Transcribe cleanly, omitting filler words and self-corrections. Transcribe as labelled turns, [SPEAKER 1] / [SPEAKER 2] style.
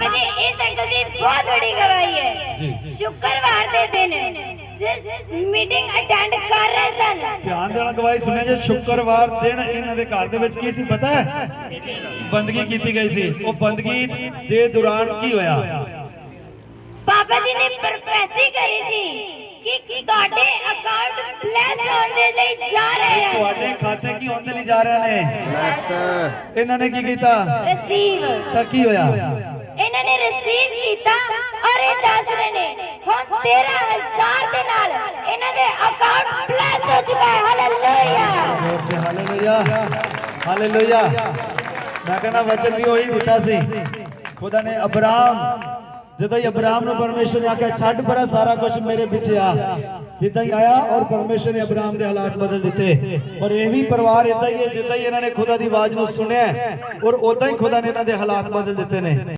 [SPEAKER 1] जी इस अंकल जी बहुत बड़ी गवाही है। शुक्रवार के दिन जिस मीटिंग अटेंड कर रहे सन,
[SPEAKER 2] ध्यान देना गवाही सुने जे शुक्रवार दिन इन्हां दे घर दे विच की सी पता है? बंदगी कीती गई सी। वो बंदगी दे दौरान की होया?
[SPEAKER 1] पापा जी ने प्रोफेसी करी थी कि ਤੁਹਾਡੇ ਅਕਾਊਂਟ ਬਲੈਸ ਹੋਣ ਦੇ ਲਈ ਜਾ ਰਹੇ ਹਨ।
[SPEAKER 2] ਤੁਹਾਡੇ ਖਾਤੇ ਕੀ ਹੋਣ ਦੇ ਲਈ ਜਾ ਰਹੇ ਨੇ? ਬਲੈਸ। ਇਹਨਾਂ ਨੇ ਕੀ ਕੀਤਾ?
[SPEAKER 1] ਰਿਸੀਵ।
[SPEAKER 2] ਤਾਂ ਕੀ ਹੋਇਆ?
[SPEAKER 1] ਇਹਨਾਂ ਨੇ ਰਿਸੀਵ ਕੀਤਾ ਔਰ ਇਹ ਦੱਸ ਰਹੇ ਨੇ ਹੁਣ 13000 ਦੇ ਨਾਲ ਇਹਨਾਂ ਦੇ ਅਕਾਊਂਟ ਬਲੈਸ ਹੋ ਚੁੱਕਾ ਹੈ। ਹਾਲੇਲੂਇਆ।
[SPEAKER 2] ਜ਼ੋਰ ਸੇ ਹਾਲੇਲੂਇਆ। ਹਾਲੇਲੂਇਆ। मैं कहना वचन भी वही दिता सी। खुदा ने अब्राहम जिदा ही अब्राहम ने परमेश्वर ने आख्या छड़ परा सारा कुछ मेरे पीछे आ, जिदा ही आया और परमेश्वर ने अब्राहम के हालात बदल दिते। और ये भी परिवार इदा ही है जिदा ही इन्होंने खुदा की आवाज को सुनिया और उदा ही खुदा ने इन्होंने हालात बदल दिते ने।